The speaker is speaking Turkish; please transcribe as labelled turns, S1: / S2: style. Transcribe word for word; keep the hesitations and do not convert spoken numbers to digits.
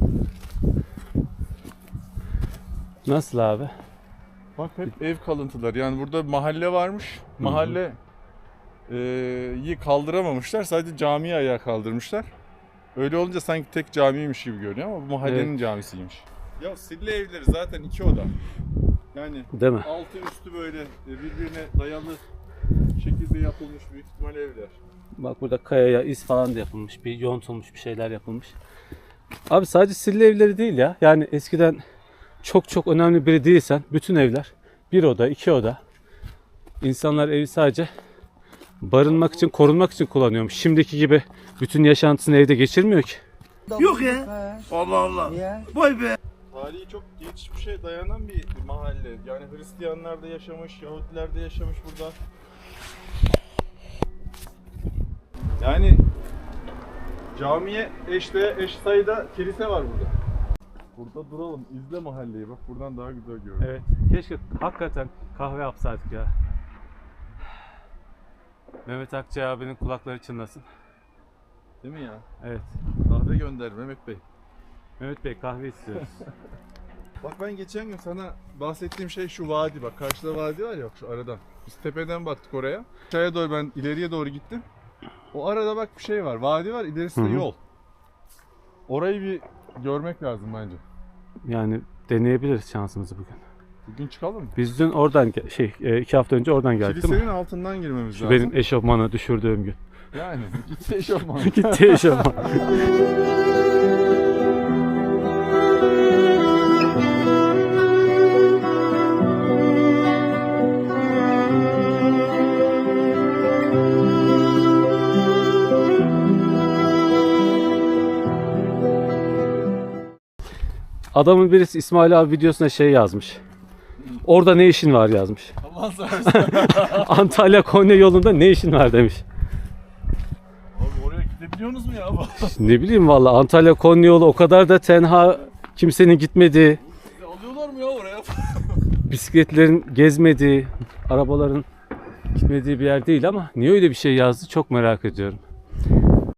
S1: Nasıl abi?
S2: Bak hep ev kalıntıları. Yani burada mahalle varmış. Mahalle e, yi kaldıramamışlar. Sadece camiyi ayağa kaldırmışlar. Öyle olunca sanki tek camiymiş gibi görünüyor ama bu mahallenin
S1: Evet.
S2: camisiymiş. Ya Sille evleri zaten iki oda. Yani
S1: Değil mi?
S2: altı üstü böyle birbirine dayalı şekilde yapılmış büyük ihtimal evler.
S1: Bak burada kayaya iz falan da yapılmış. Bir yontulmuş bir şeyler yapılmış. Abi sadece Sille evleri değil ya. Yani eskiden çok çok önemli biri değilsen bütün evler bir oda, iki oda. İnsanlar evi sadece barınmak için, korunmak için kullanıyormuş. Şimdiki gibi bütün yaşantısını evde geçirmiyor ki.
S3: Yok ya. Allah Allah. Vay be.
S2: Tarihi çok geçmişe dayanan bir mahalle. Yani Hristiyanlar da yaşamış, Yahudiler de yaşamış burada. Yani camiye eşde eş sayıda kilise var burada. Burada duralım, izle mahalleyi. Bak buradan daha güzel görünüyor.
S1: Evet. Keşke hakikaten kahve yapsaydık ya. Mehmet Akçay abinin kulakları çınlasın.
S2: Değil mi ya?
S1: Evet.
S2: Kahve gönder Mehmet Bey.
S1: Mehmet Bey kahve istiyoruz.
S2: Bak ben geçen gün sana bahsettiğim şey şu vadi bak. Karşıda vadi var ya şu aradan. Biz tepeden baktık oraya. Aşağıya doğru ben ileriye doğru gittim. O arada bak bir şey var. Vadi var, ilerisi de
S1: Hı hı.
S2: yol. Orayı bir görmek lazım bence.
S1: Yani deneyebiliriz şansımızı bugün.
S2: Bugün çıkalım mı?
S1: Biz dün oradan ge- şey e, iki hafta önce oradan geldik değil mi?
S2: Kilisenin altından girmemiz
S1: Şu
S2: lazım.
S1: benim eşofmanı düşürdüğüm gün.
S2: Yani gitti eşofman.
S1: Gitti eşofman. Adamın birisi İsmail abi videosuna şey yazmış. Orada ne işin var yazmış.
S2: Allah seversen.
S1: Antalya Konya yolunda ne işin var demiş.
S2: Abi oraya gidebiliyorsunuz mu ya?
S1: Ne bileyim valla Antalya Konya yolu o kadar da tenha, kimsenin gitmediği,
S2: Sizi alıyorlar mı ya oraya?
S1: bisikletlerin gezmediği, arabaların gitmediği bir yer değil ama niye öyle bir şey yazdı çok merak ediyorum.